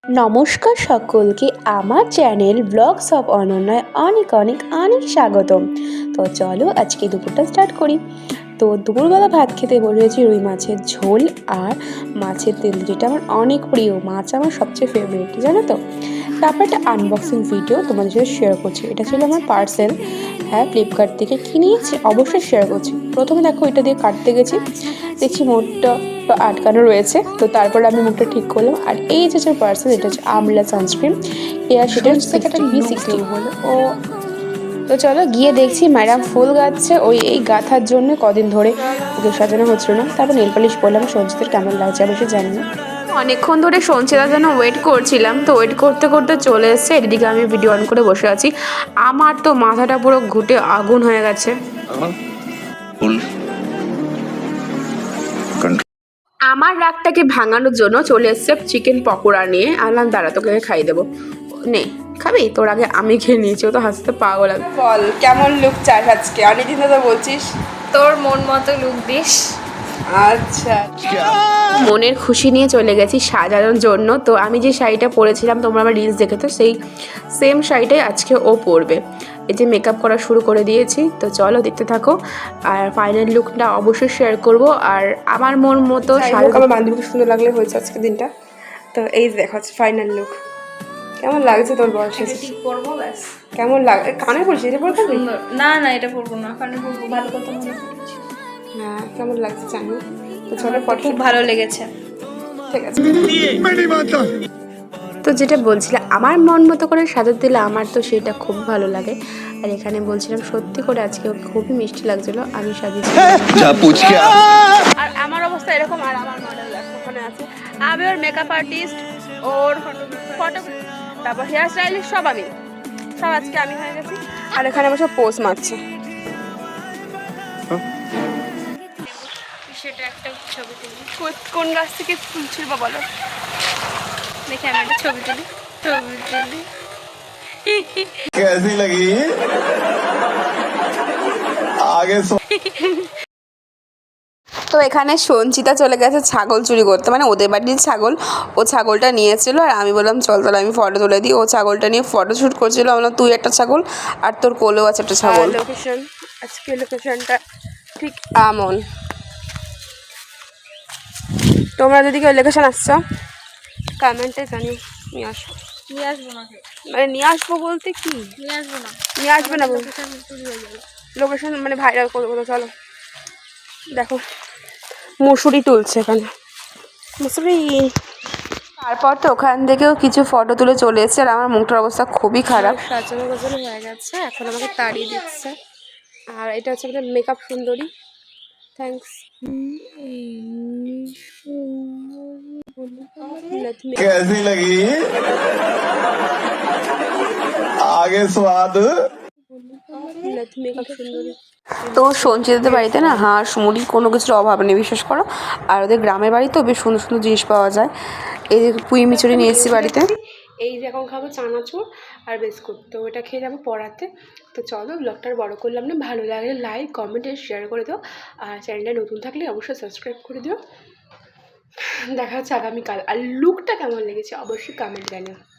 নমস্কার সকলকে আমার চ্যানেল ব্লগস অফ অনন্যায় অনেক অনেক অনেক স্বাগতম। তো চলো আজকে দুপুরটা স্টার্ট করি। তো দুপুরবেলা ভাত খেতে বসেছি রুই মাছের ঝোল আর মাছের তেল, যেটা আমার অনেক প্রিয় মাছ, আমার সবচেয়ে ফেভারিট, জানো তো। তারপর একটা আনবক্সিং ভিডিও তোমাদের সাথে শেয়ার করছি। এটা ছিল আমার পার্সেল, হ্যাঁ ফ্লিপকার্ট থেকে কিনেছি, অবশ্যই শেয়ার করছি। প্রথমে দেখো এটা দিয়ে কাটতে গেছি, দেখছি মুখটা আটকানো রয়েছে, তো তারপরে আমি মুখটা ঠিক করলাম। আর এই যে পার্সেল, এটা হচ্ছে আমলা সানস্ক্রিন এয়ার সেটার 60 বলে ও। তো চলো গিয়ে দেখছি ম্যাডাম ফুল গাচ্ছে, এই গাথার জন্য কদিন ধরে ওকে সাজানো হচ্ছিল না। তারপর নেল পালিশ বললাম, সঞ্চিতার কেমন লাগছে অবশ্যই জানি না। অনেকক্ষণ ধরে সঞ্চিতার জন্য ওয়েট করছিলাম, তো ওয়েট করতে করতে চলে এসছে। এদিকে আমি ভিডিও অন করে বসে আছি, আমার তো মাথাটা পুরো ঘুটে আগুন হয়ে গেছে। আমার রাগটাকে ভাঙানোর জন্য চলে এসছে চিকেন পকোড়া নিয়ে। আনলাম, দাঁড়া তোকে খাইয়ে দেবো, নে খাবি? তোর আগে আমি খেয়ে নিয়েছি, ও তো হাসতে পাগল। বল কেমন লুক চাস আজকে? অনেকদিন তো বলছিস তোর মন মতো লুক দিস। আচ্ছা, মনের খুশি নিয়ে চলে গেছি সাজানোর জন্য। তো আমি যে শাড়িটা পরেছিলাম, তোমরা আমার রিলস দেখে তো সেই সেম শাড়িটাই আজকে ও পরবে। এই যে মেকআপ করা শুরু করে দিয়েছি, তো চলো দেখতে থাকো। আর ফাইনাল লুকটা অবশ্যই শেয়ার করব। আর আমার মন মতো শাড়ি, আমার বান্ধবীকে সুন্দর লাগলে হয়েছে আজকে দিনটা। তো এই দেখো ফাইনাল লুক, কেমন লাগছে তোর বয়সে? ঠিক পরবো ব্যাস। কেমন লাগে? কানে পড়ছি, এটা পড়তে হবে? না না, এটা পরবো না, কানে পরবো। ভালো কথা মনে করেছি। হ্যাঁ, কেমন লাগছে জানি। তো চলো ফটো, খুব ভালো লেগেছে। ঠিক আছে। তো যেটা বলছিলাম, আমার মন মতো করে সাজাতে দিলে আমার তো সেটা খুব ভালো লাগে। আর এখানে বলছিলাম সত্যি করে আজকে খুবই মিষ্টি লাগছিল, আমি সাজিয়েছি। আর আমার অবস্থা এরকম, আর আমার মডেল ওখানে আছে। আমি ওর মেকআপ আর্টিস্ট, ওর ফটো, তারপর হেয়ার স্টাইলিস্ট, সব আমি, সব আজকে আমি হয়ে গেছি। আর এখানে আমার সব পোজ মারছে। সেটা একটা ছবি তুলি। কোন গাছ থেকে ফুল ছিল বলো দেখে আমি একটা ছবি তুলি। कैसी लगी आगे তো এখানে সঞ্চিতা চলে গেছে ছাগল চুরি করতে, মানে ওদের বাড়ির ছাগল, ও ছাগলটা নিয়েছিল। আর আমি বললাম চল তাহলে আমি ফটো তুলে দিই। ও ছাগলটা নিয়ে ফটো শ্যুট করছিল। আমরা তুই একটা ছাগল আর তোর কোলেও আছে একটা ছাগল। লোকেশন, আজকে লোকেশনটা ঠিক এমন। তোমরা যদি কেউ লোকেশন আসছো কমেন্টে জানিও, নিয়ে আসো। নিয়ে আসবো না, মানে নিয়ে আসবো বলতে কি, নিয়ে আসবো না, নিয়ে আসবে না বলতে লোকেশন মানে ভাইরাল করে দেবো। চলো দেখো মুসুরি তুলছে এখানে, মুসুরি। তারপর তো ওখান থেকেও কিছু ফটো তুলে চলে এসেছে। আর আমার মুখটার অবস্থা খুবই খারাপ, সাজানো গোছানো হয়ে গেছে, এখন আমাকে তাড়িয়ে দিচ্ছে। আর এটা হচ্ছে আমাদের মেকআপ সুন্দরী, থ্যাংকস। कैसी लगी आगे स्वाद তো সঞ্চিতাদের বাড়িতে না হাঁস মুড়ি কোনো কিছুর অভাব নেই, বিশ্বাস করো। আর ওদের গ্রামের বাড়ি তো বেশ সুন্দর সুন্দর জিনিস পাওয়া যায়। এই যে পুঁই মিচুরি নিয়ে এসেছি বাড়িতে। এই যে এখন খাবো চানাচুর আর বিস্কুট, তো ওটা খেয়ে যাবো পড়াতে। তো চলো ব্লগটা বড় করলাম না, ভালো লাগলে লাইক কমেন্ট শেয়ার করে দাও। আর চ্যানেলটা নতুন থাকলে অবশ্যই সাবস্ক্রাইব করে দিও। দেখা হচ্ছে আগামীকাল। আর লুকটা কেমন লেগেছে অবশ্যই কমেন্ট জানিও।